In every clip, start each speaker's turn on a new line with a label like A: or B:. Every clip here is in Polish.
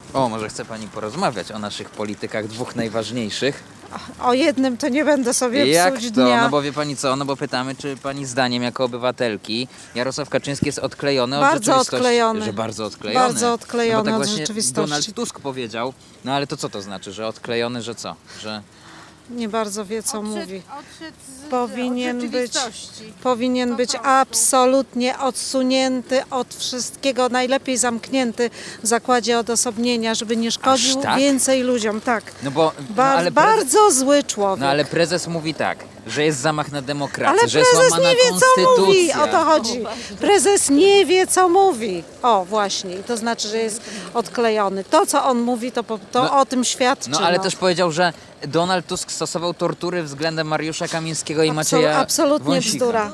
A: O, może chce pani porozmawiać o naszych politykach, dwóch najważniejszych?
B: O jednym to nie będę sobie
A: Jak
B: psuć
A: to?
B: dnia.
A: No bo wie pani co, no bo pytamy, czy pani zdaniem jako obywatelki Jarosław Kaczyński jest odklejony od
B: Bardzo
A: rzeczywistości?
B: odklejony.
A: Że bardzo odklejony.
B: Bardzo odklejony
A: no bo tak
B: od
A: właśnie
B: rzeczywistości.
A: Donald Tusk powiedział, no ale to co to znaczy, że odklejony, że co? Że...
B: Nie bardzo wie, co mówi.
C: Odszedł
B: Powinien być absolutnie odsunięty od wszystkiego, najlepiej zamknięty w zakładzie odosobnienia, żeby nie szkodził
A: Aż tak?
B: więcej ludziom. Tak.
A: No bo... no, ale prezes,
B: Bardzo zły człowiek.
A: no ale prezes mówi tak, że jest zamach na demokrację,
B: Ale
A: że jest
B: prezes
A: łamana
B: nie wie, co
A: konstytucja.
B: mówi, o to chodzi. Prezes nie wie, co mówi. O, właśnie. I to znaczy, że jest odklejony. To, co on mówi, to
A: No,
B: o tym świadczy.
A: No ale też powiedział, że Donald Tusk stosował tortury względem Mariusza Kamińskiego i Macieja
B: Absolutnie
A: Wąsika.
B: bzdura.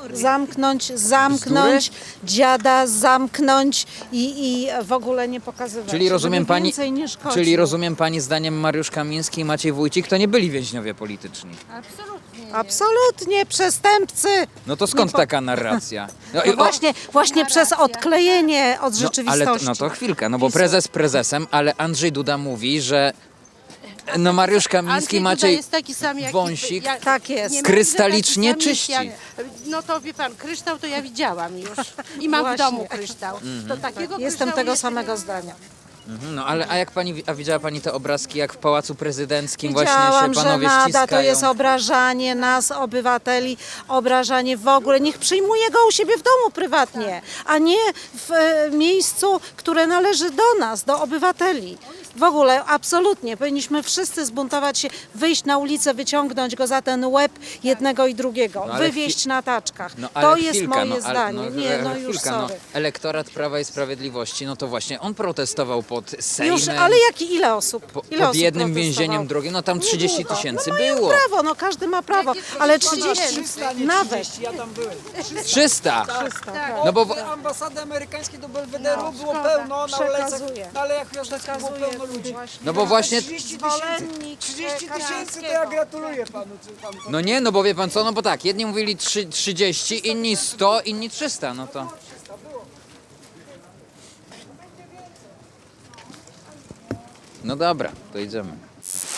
B: Zamknąć dziada, zamknąć i w ogóle nie pokazywać.
A: Czyli rozumiem
B: żeby
A: pani,
B: więcej nie szkodził.
A: czyli rozumiem pani zdaniem Mariusz Kamiński i Maciej Wójcik to nie byli więźniowie polityczni.
C: Absolutnie.
B: Absolutnie, przestępcy.
A: No to skąd
B: Nie po-
A: taka narracja? No, i-
B: No właśnie przez odklejenie od
A: no,
B: rzeczywistości.
A: ale no to chwilkę, no bo prezes prezesem, ale Andrzej Duda mówi, że no Mariusz Kamiński,
C: Andrzej Duda
A: Maciej
C: jest taki sam jak
A: Wąsik.
B: Tak jest.
C: nie
A: Krystalicznie
C: taki sam
A: czyści.
C: jak no to wie pan, kryształ to ja widziałam już. I mam
B: Właśnie.
C: w domu kryształ. To takiego
B: Jestem
C: kryształu
B: tego
C: jeszcze
B: samego
C: nie-
B: zdania.
A: No ale a jak pani, a widziała pani te obrazki, jak w Pałacu Prezydenckim właśnie
B: Widziałam,
A: się
B: że
A: panowie
B: nada
A: ściskają?
B: to jest obrażanie nas, obywateli, obrażanie w ogóle. Niech przyjmuje go u siebie w domu prywatnie, a nie w miejscu, które należy do nas, do obywateli. W ogóle absolutnie powinniśmy wszyscy zbuntować się, wyjść na ulicę, wyciągnąć go za ten łeb jednego i drugiego,
A: No, ale
B: wywieźć na taczkach.
A: No, ale
B: To jest
A: chwilkę,
B: moje
A: no, ale-
B: zdanie. Nie, no już
A: chwilkę,
B: sorry.
A: elektorat Prawa i Sprawiedliwości, no to właśnie on protestował pod Sejmem.
B: Już, ale ile osób? Ile
A: Pod
B: osób
A: jednym
B: protestowało?
A: więzieniem drugim, no tam 30 tysięcy
B: No mają
A: było.
B: prawo, no każdy ma prawo, ale 30 nawet.
D: Ja tam byłem.
A: 300! No bo
D: Od ambasady amerykańskiej do Belwederu było pełno, na
B: Przekazuję.
D: na Alejach Piłsudskiego było
B: Przekazuję
D: pełno ludzi.
A: No bo właśnie,
D: 30
B: Zwolennik
D: tysięcy to ja gratuluję panu. Panu.
A: no nie, no bo wie pan co, no bo tak, jedni mówili 30, inni 100, inni 300, no to... No dobra, to idziemy.